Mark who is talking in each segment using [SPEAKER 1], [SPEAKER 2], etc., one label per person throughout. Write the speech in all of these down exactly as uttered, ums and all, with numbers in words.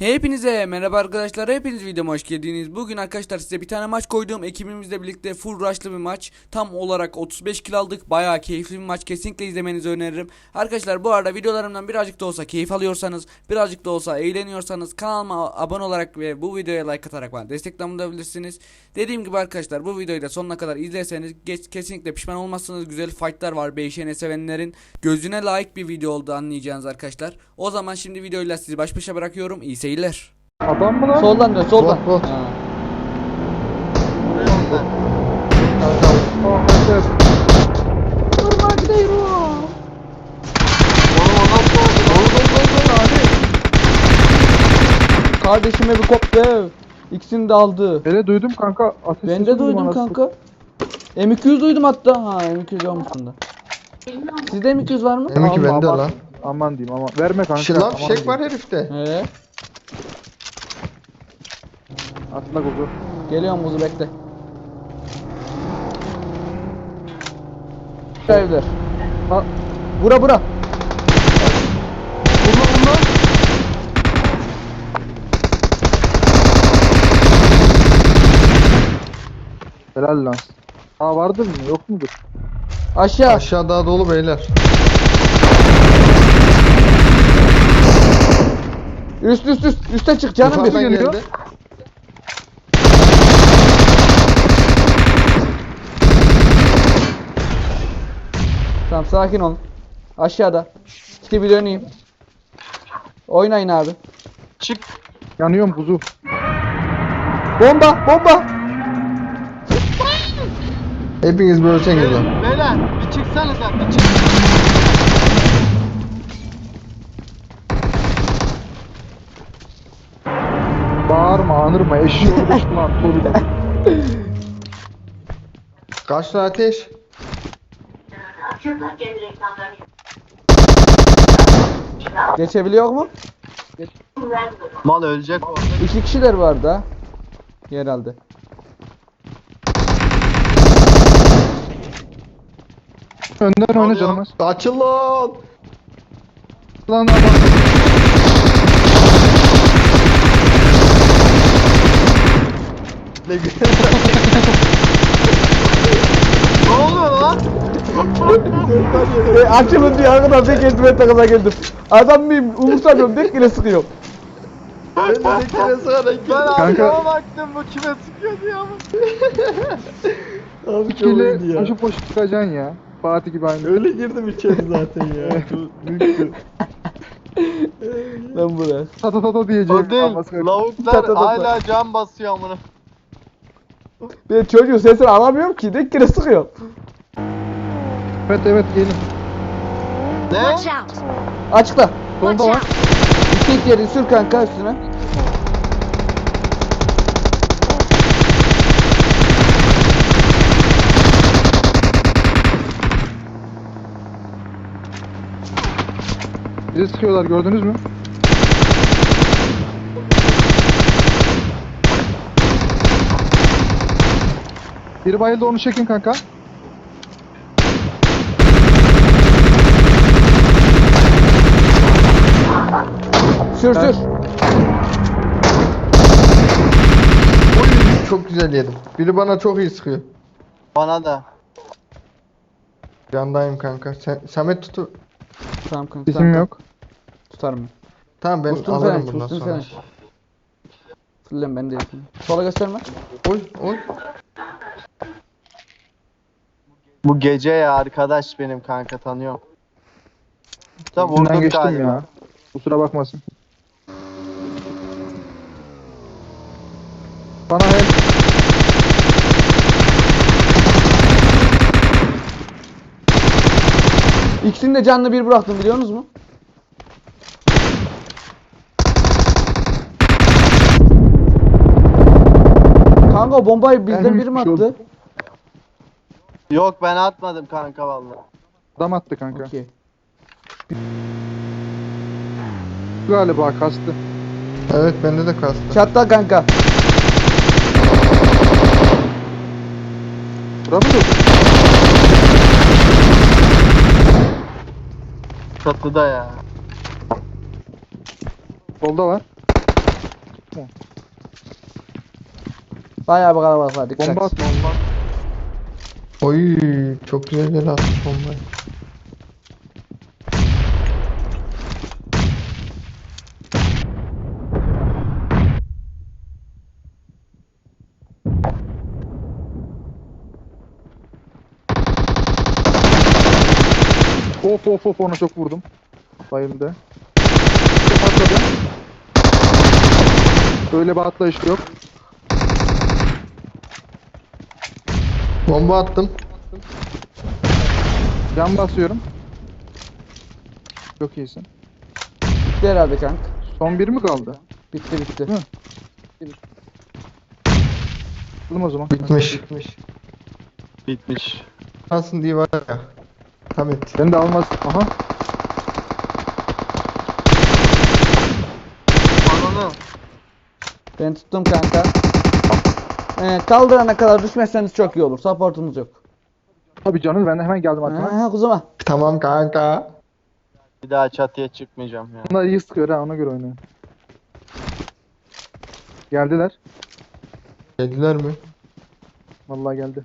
[SPEAKER 1] Hepinize merhaba arkadaşlar, hepiniz videoma hoş geldiniz. Bugün arkadaşlar size bir tane maç koydum. Ekibimizle birlikte full rush'lı bir maç. Tam olarak otuz beş kill aldık. Bayağı keyifli bir maç, kesinlikle izlemenizi öneririm. Arkadaşlar bu arada videolarımdan birazcık da olsa keyif alıyorsanız, birazcık da olsa eğleniyorsanız kanalıma abone olarak ve bu videoya like atarak bana destek olabilirsiniz. Dediğim gibi arkadaşlar bu videoyu da sonuna kadar izlerseniz geç, kesinlikle pişman olmazsınız. Güzel fightlar var, Beyşen'e sevenlerin gözüne layık bir video oldu anlayacağınız arkadaşlar. O zaman şimdi videoyla sizi baş başa bırakıyorum. İyi seyirler.
[SPEAKER 2] Adam mı lan?
[SPEAKER 3] Soldan dön, soldan.
[SPEAKER 2] Bot, bot.
[SPEAKER 3] Ha.
[SPEAKER 2] Oh, evet.
[SPEAKER 3] Durma gidiyorum. Kardeşime bir koptu. İkisini de aldı.
[SPEAKER 2] Hele duydum kanka. Ateş
[SPEAKER 3] Ben
[SPEAKER 2] sesi
[SPEAKER 3] de duydum
[SPEAKER 2] anasını.
[SPEAKER 3] kanka. M iki yüz duydum hatta. Ha M iki yüz olmuş bunda. Sizde M iki yüz var mı?
[SPEAKER 4] M iki
[SPEAKER 2] Alma,
[SPEAKER 4] bende
[SPEAKER 2] aman-
[SPEAKER 4] lan.
[SPEAKER 2] Aman diyeyim ama. Verme kanka.
[SPEAKER 4] Şınav
[SPEAKER 2] aman
[SPEAKER 4] fişek var
[SPEAKER 2] diyeyim.
[SPEAKER 4] herifte.
[SPEAKER 3] He.
[SPEAKER 2] Atla kuzu.
[SPEAKER 3] Geliyorum buzu bekle. Evler.
[SPEAKER 2] Ha.
[SPEAKER 3] Bura bura.
[SPEAKER 2] Bunlar bunlar. Helal lan. Ha vardır mı? Yok mudur?
[SPEAKER 3] Aşağı.
[SPEAKER 4] Aşağı daha dolu beyler.
[SPEAKER 3] Üst üst üst. Üste çık canım bir.
[SPEAKER 4] Yukarıdan
[SPEAKER 2] geliyor.
[SPEAKER 4] geldi.
[SPEAKER 3] Tamam sakin olun. Aşağıda. İşte bir döneyim. Oynayın abi.
[SPEAKER 2] Çık. Yanıyorum kuzu.
[SPEAKER 3] Bomba bomba.
[SPEAKER 4] Hepiniz böyle ölçeniz lan.
[SPEAKER 5] Beyler bir çıksanıza bir çık.
[SPEAKER 2] Bağırma, anırma. Eşeği uğraşma. Soru.
[SPEAKER 4] Kaçtı ateş?
[SPEAKER 3] Geçebiliyor mu?
[SPEAKER 5] Mal ölecek o.
[SPEAKER 3] İki kişiler vardı ha. Herhalde.
[SPEAKER 2] Önden oyna
[SPEAKER 5] Oluyor.
[SPEAKER 2] canım az.
[SPEAKER 4] Açıl lan.
[SPEAKER 2] Lan adam.
[SPEAKER 4] Ne güzel.
[SPEAKER 5] Ne oluyor lan?
[SPEAKER 3] E, açılın diye arkadan tek eldiven takıma geldim. Adam mıyım? Umursamıyorum. Tek yine sıkıyorum.
[SPEAKER 4] Ben de bir kere sonra
[SPEAKER 5] Ben
[SPEAKER 2] Kanka.
[SPEAKER 5] arkama baktım bu kime sıkıyor diye ama.
[SPEAKER 4] Abi çok
[SPEAKER 2] Kile
[SPEAKER 4] iyiydi ya.
[SPEAKER 2] koşup koşup çıkacaksın ya. Fatih gibi aynı.
[SPEAKER 4] Öyle girdim içeri zaten ya. Çok büyüktü.
[SPEAKER 3] Ben buraya.
[SPEAKER 2] Ta ta ta ta diyeceğim.
[SPEAKER 5] O değil.
[SPEAKER 2] Alması-
[SPEAKER 3] Ta
[SPEAKER 5] Lavuklar
[SPEAKER 3] ta ta ta.
[SPEAKER 5] hala can basıyor amına.
[SPEAKER 3] Ben çocuğun sesini alamıyorum ki. Tek yine sıkıyorum.
[SPEAKER 2] Evet evet gelin.
[SPEAKER 5] Ne?
[SPEAKER 6] Watch out!
[SPEAKER 3] Açıkla.
[SPEAKER 6] Watch
[SPEAKER 2] Solda var.
[SPEAKER 6] out!
[SPEAKER 3] İki yeri sür kanka üstüne.
[SPEAKER 2] Bizi sıkıyorlar gördünüz mü? Biri bayıldı onu çekin kanka.
[SPEAKER 3] Sür sür.
[SPEAKER 4] Oy, çok güzel yedim. Biri bana çok iyi sıkıyor.
[SPEAKER 5] Bana da.
[SPEAKER 4] Yandayım kanka. Sen, Samet tutu.
[SPEAKER 3] Tamam kanka.
[SPEAKER 2] Bizim
[SPEAKER 3] tamam,
[SPEAKER 2] yok.
[SPEAKER 3] Tutarım ben.
[SPEAKER 4] Tamam ben
[SPEAKER 3] Boost'unu
[SPEAKER 4] alırım
[SPEAKER 3] sen,
[SPEAKER 4] bundan
[SPEAKER 3] boost'unu
[SPEAKER 4] sonra.
[SPEAKER 3] sen. Fırlayayım ben de yapayım. Sola gösterme.
[SPEAKER 4] Oy oy.
[SPEAKER 5] Bu gece ya arkadaş benim kanka tanıyorum. Da
[SPEAKER 2] Bundan
[SPEAKER 5] vurdum
[SPEAKER 2] geçtim
[SPEAKER 5] galiba.
[SPEAKER 2] ya. Kusura bakmasın. Bana el.
[SPEAKER 3] İkisini de canlı bir bıraktım biliyor musunuz mu? Kanka o bombayı bizden
[SPEAKER 2] Benim
[SPEAKER 3] biri mi
[SPEAKER 2] bir şey
[SPEAKER 3] attı?
[SPEAKER 2] oldu.
[SPEAKER 5] Yok ben atmadım kanka vallahi.
[SPEAKER 2] Adam attı kanka.
[SPEAKER 3] Okey.
[SPEAKER 2] Galiba kastı.
[SPEAKER 4] Evet bende de kastı.
[SPEAKER 3] Çatla kanka.
[SPEAKER 2] Bura mı dur?
[SPEAKER 5] Çatıda ya.
[SPEAKER 2] Solda var. Yok mu?
[SPEAKER 3] Bayağı bir kalabalık var, dikkat.
[SPEAKER 2] Bomba at bomba at.
[SPEAKER 4] Oy çok güzel yer atmış bombayı.
[SPEAKER 2] Of of of ona çok vurdum. Bayıldı. Çok atladı. Böyle bir atlayış yok.
[SPEAKER 4] Bomba attım.
[SPEAKER 2] Can basıyorum. Çok iyisin.
[SPEAKER 3] Bitti herhalde kanka.
[SPEAKER 2] Son bir mi kaldı?
[SPEAKER 3] Bitti bitti.
[SPEAKER 2] Hı. Alalım o zaman.
[SPEAKER 4] Bitmiş. Bitmiş.
[SPEAKER 5] Bitmiş.
[SPEAKER 4] Nasılsın diye var ya. Samet.
[SPEAKER 2] Ben de almaz. Aha.
[SPEAKER 5] Ananı.
[SPEAKER 3] Ben tuttum kanka. Evet, kaldırana kadar düşmezseniz çok iyi olur. Supportumuz yok.
[SPEAKER 2] Tabii canım ben de hemen geldim arkana.
[SPEAKER 3] Ha, kuzuma.
[SPEAKER 4] Tamam kanka.
[SPEAKER 5] Bir daha çatıya çıkmayacağım ya.
[SPEAKER 2] Bunlar iyi sıkıyor ha ona göre oynayın. Geldiler.
[SPEAKER 4] Geldiler mi?
[SPEAKER 2] Vallahi geldi.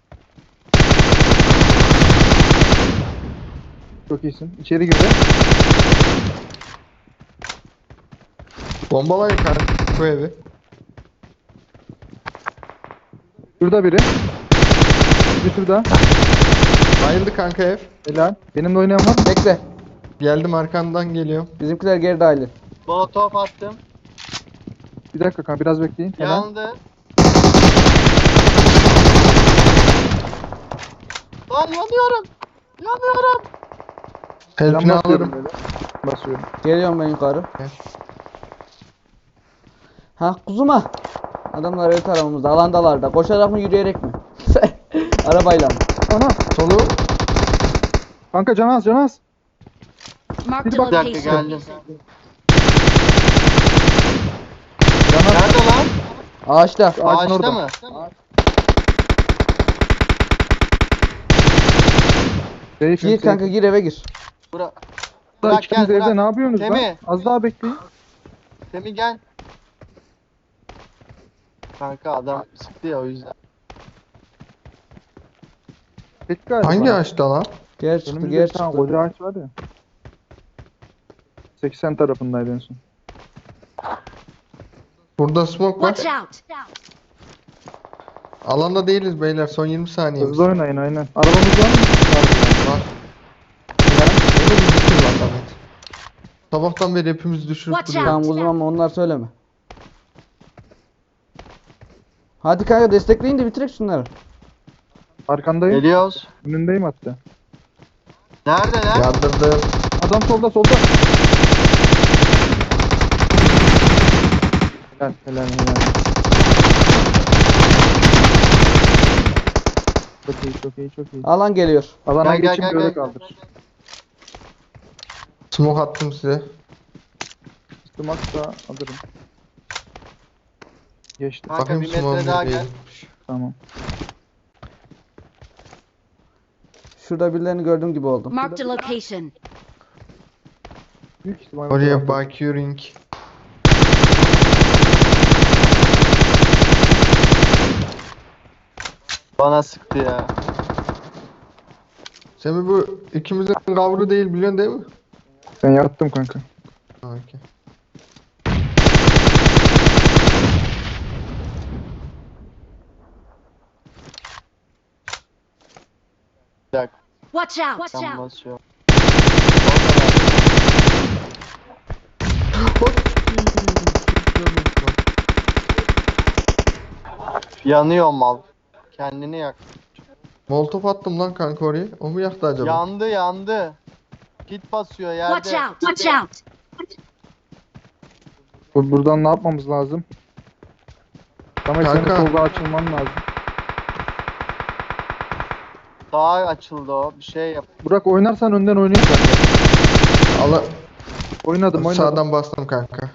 [SPEAKER 2] Çok iyisin. İçeri girdi.
[SPEAKER 4] Bombalayın kanka bu evi.
[SPEAKER 2] Şurada biri. Bir şurada.
[SPEAKER 4] Bayıldı kanka ev.
[SPEAKER 2] Helal. Benimle oynayan var mı?
[SPEAKER 3] Bekle.
[SPEAKER 4] Geldim arkandan geliyorum.
[SPEAKER 3] Bizimkiler geri dahil.
[SPEAKER 5] Molotov attım.
[SPEAKER 2] Bir dakika kanka biraz bekleyin. Helal.
[SPEAKER 5] Yandı. Lan yanıyorum. Yanıyorum.
[SPEAKER 2] Ben
[SPEAKER 4] Helpini
[SPEAKER 2] basıyorum
[SPEAKER 4] alırım.
[SPEAKER 2] böyle. Basıyorum.
[SPEAKER 3] Geliyorum ben yukarı.
[SPEAKER 4] Gel.
[SPEAKER 3] Ha kuzuma. Adamlar öyle tarafımızda. Alandalar da. Koşarak mı yürüyerek mi? Arabayla mı?
[SPEAKER 2] Ana.
[SPEAKER 4] Solu.
[SPEAKER 2] Kanka Canaz Canaz.
[SPEAKER 6] Marked
[SPEAKER 2] Bir
[SPEAKER 6] a
[SPEAKER 2] bak-
[SPEAKER 5] Bir dakika
[SPEAKER 6] location.
[SPEAKER 5] geldim.
[SPEAKER 2] Canaz.
[SPEAKER 5] Nerede lan?
[SPEAKER 3] Ağaçta.
[SPEAKER 2] Ağacın
[SPEAKER 5] Ağaçta
[SPEAKER 2] orada.
[SPEAKER 5] mı?
[SPEAKER 2] Safe,
[SPEAKER 3] Gir
[SPEAKER 2] safe.
[SPEAKER 3] kanka, gir eve gir.
[SPEAKER 5] Bura.
[SPEAKER 2] Daha
[SPEAKER 5] Bırak
[SPEAKER 2] ikiniz
[SPEAKER 5] gel
[SPEAKER 2] evde
[SPEAKER 5] bırak.
[SPEAKER 2] ne yapıyorsunuz lan?
[SPEAKER 5] Semih.
[SPEAKER 2] Az daha bekleyin.
[SPEAKER 5] Semih gel. Kanka adam sıktı ya o yüzden.
[SPEAKER 2] Tek galiba.
[SPEAKER 4] Hangi ağaçta lan?
[SPEAKER 3] Geri çıktı,
[SPEAKER 2] Önümüzde
[SPEAKER 3] geri
[SPEAKER 2] bir tane
[SPEAKER 3] çıktı.
[SPEAKER 2] koca ağaç var ya. seksen tarafındaydı en son.
[SPEAKER 4] Burada smoke var.
[SPEAKER 6] Watch out!
[SPEAKER 4] Alanda değiliz beyler. Son yirmi saniye.
[SPEAKER 2] Hızlı oynayın aynen. Arabamız var mı?
[SPEAKER 4] Var. Ya, onu bir düşür bak Ahmet. Sabahtan beri hepimizi düşürüp
[SPEAKER 6] Watch
[SPEAKER 4] duruyor.
[SPEAKER 3] Tamam kuzum ama onlar söyleme. Hadi kanka destekleyin de bitirek şunları.
[SPEAKER 2] Arkandayım.
[SPEAKER 5] Geliyoruz.
[SPEAKER 2] Önündeyim hatta.
[SPEAKER 5] Neredeler?
[SPEAKER 4] Yardırdım.
[SPEAKER 2] Adam solda solda. Helal helal helal. Çok iyi çok iyi çok iyi.
[SPEAKER 3] Alan geliyor.
[SPEAKER 2] Alana
[SPEAKER 5] Gel, gel,
[SPEAKER 2] geçin
[SPEAKER 5] gel,
[SPEAKER 2] böyle
[SPEAKER 5] gel.
[SPEAKER 2] kaldır.
[SPEAKER 4] Smoke attım size.
[SPEAKER 2] Üstüm atsa alırım. Geçtim.
[SPEAKER 5] Kanka
[SPEAKER 4] Bakayım
[SPEAKER 5] bir metre
[SPEAKER 4] smoke'um
[SPEAKER 5] daha
[SPEAKER 4] nereye
[SPEAKER 5] gel.
[SPEAKER 4] gitmiş.
[SPEAKER 2] Tamam.
[SPEAKER 3] Şurada birilerini gördüğüm gibi oldum.
[SPEAKER 6] Marked a location.
[SPEAKER 2] Büyük ihtimal.
[SPEAKER 4] Oraya bakıyorum.
[SPEAKER 5] Bana sıktı ya.
[SPEAKER 4] Semih bu ikimizin kavru değil biliyorsun değil mi?
[SPEAKER 2] Ben yattım kanka.
[SPEAKER 4] Ha, okey.
[SPEAKER 5] Bir dakika.
[SPEAKER 6] Watch out! Watch
[SPEAKER 5] Tam
[SPEAKER 6] out!
[SPEAKER 5] basıyor. Yanıyor mal. Kendini yak.
[SPEAKER 4] Molotof attım lan kanka oraya. O mu yaktı acaba?
[SPEAKER 5] Yandı yandı. Kit basıyor yerde.
[SPEAKER 6] Watch out! Watch out!
[SPEAKER 2] Bu- Buradan ne yapmamız lazım? Samet senin
[SPEAKER 4] Kanka.
[SPEAKER 2] solda açılman lazım.
[SPEAKER 5] Daha açıldı o. Bir şey yap.
[SPEAKER 2] Burak oynarsan önden oynayayım kanka.
[SPEAKER 4] Ala
[SPEAKER 2] Oynadım oynadım.
[SPEAKER 4] sağdan bastım kanka.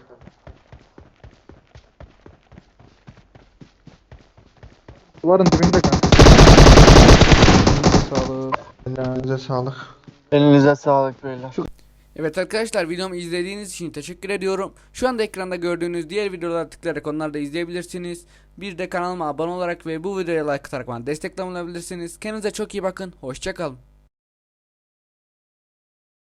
[SPEAKER 2] Duvarın dibinde kanka.
[SPEAKER 3] Sağlık.
[SPEAKER 4] Elinize sağlık.
[SPEAKER 5] Elinize sağlık beyler.
[SPEAKER 1] Evet arkadaşlar, videomu izlediğiniz için teşekkür ediyorum. Şu anda ekranda gördüğünüz diğer videolara tıklayarak onları da izleyebilirsiniz. Bir de kanalıma abone olarak ve bu videoya like atarak bana destek olabilirsiniz. Kendinize çok iyi bakın. Hoşça kalın.